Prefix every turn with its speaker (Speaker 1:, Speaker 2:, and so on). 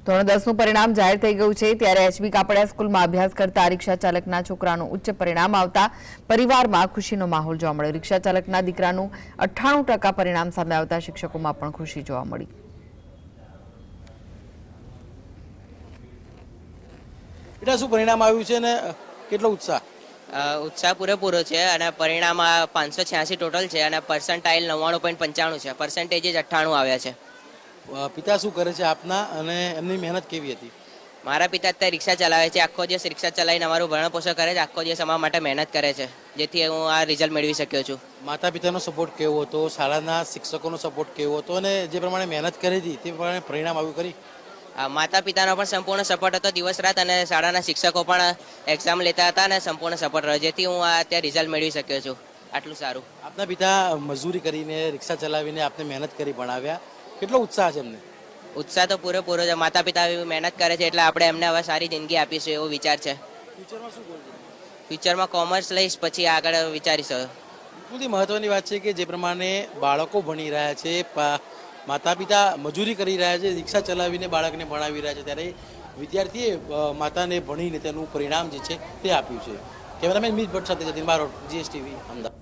Speaker 1: ધોરણ 10નું પરિણામ જાહેર થઈ ગયું છે ત્યારે એચબી કાપડિયા સ્કૂલમાં અભ્યાસ કરતા રિક્ષા ચાલકના છોકરાનું ઉચ્ચ પરિણામ આવતા પરિવારમાં ખુશીનો માહોલ જોવા મળ્યો। રિક્ષા ચાલકના દીકરાનું 98% પરિણામ સામે આવતા શિક્ષકોમાં પણ ખુશી જોવા મળી।
Speaker 2: બેટા શું પરિણામ આવ્યું છે ને કેટલો ઉત્સાહ?
Speaker 3: ઉત્સાહ પૂરેપૂરો છે અને પરિણામ 586 ટોટલ છે અને પર્સન્ટાઇલ 99.95 છે, પર્સન્ટેજ જ 98 આવ્યા છે।
Speaker 2: પિતા શું કરે છે આપના અને એમની મહેનત કેવી હતી?
Speaker 3: મારા પિતા અત્યારે રિક્ષા ચલાવે છે, આખો દિવસ રિક્ષા ચલાવીને અમારું ભરણ પોષણ કરે છે, આખો દિવસ અમારા માટે મહેનત કરે છે, જેથી હું આ રિઝલ્ટ મેળવી શક્યો છું।
Speaker 2: માતા પિતાનો સપોર્ટ કેવો હતો, શાળાના શિક્ષકોનો સપોર્ટ કેવો હતો અને જે પ્રમાણે મહેનત કરી હતી તે પ્રમાણે પરિણામ આવ્યું કરી?
Speaker 3: માતા પિતાનો પણ સંપૂર્ણ સપોર્ટ હતો દિવસ રાત અને શાળાના શિક્ષકો પણ એક્ઝામ લેતા હતા અને સંપૂર્ણ સપોર્ટ રહ્યો, જેથી હું આ અત્યારે રિઝલ્ટ મેળવી શક્યો છું। આટલું સારું।
Speaker 2: આપના પિતા મજૂરી કરીને રિક્ષા ચલાવીને આપને મહેનત કરી ભણાવ્યા, કેટલો ઉત્સાહ છે એમને?
Speaker 3: ઉત્સાહ તો પૂરેપૂરો છે, માતા પિતા મહેનત કરે છે એટલે આપણે એમને હવે સારી જિંદગી આપીશું એવો વિચાર છે।
Speaker 2: ફ્યુચરમાં શું ગોલ છે?
Speaker 3: ફ્યુચરમાં કોમર્સ લઈશ, પછી આગળ વિચારીશું।
Speaker 2: સૌથી મહત્વની વાત છે કે જે પ્રમાણે બાળકો ભણી રહ્યા છે, માતા પિતા મજૂરી કરી રહ્યા છે, રિક્ષા ચલાવીને બાળકને ભણાવી રહ્યા છે, ત્યારે વિદ્યાર્થીએ માતાને ભણીને તેનું પરિણામ જે છે તે આપ્યું છે। કેમેરામેન મિત ભટ્ટ સાથે જતીન બારોટ, GSTV, અમદાવાદ।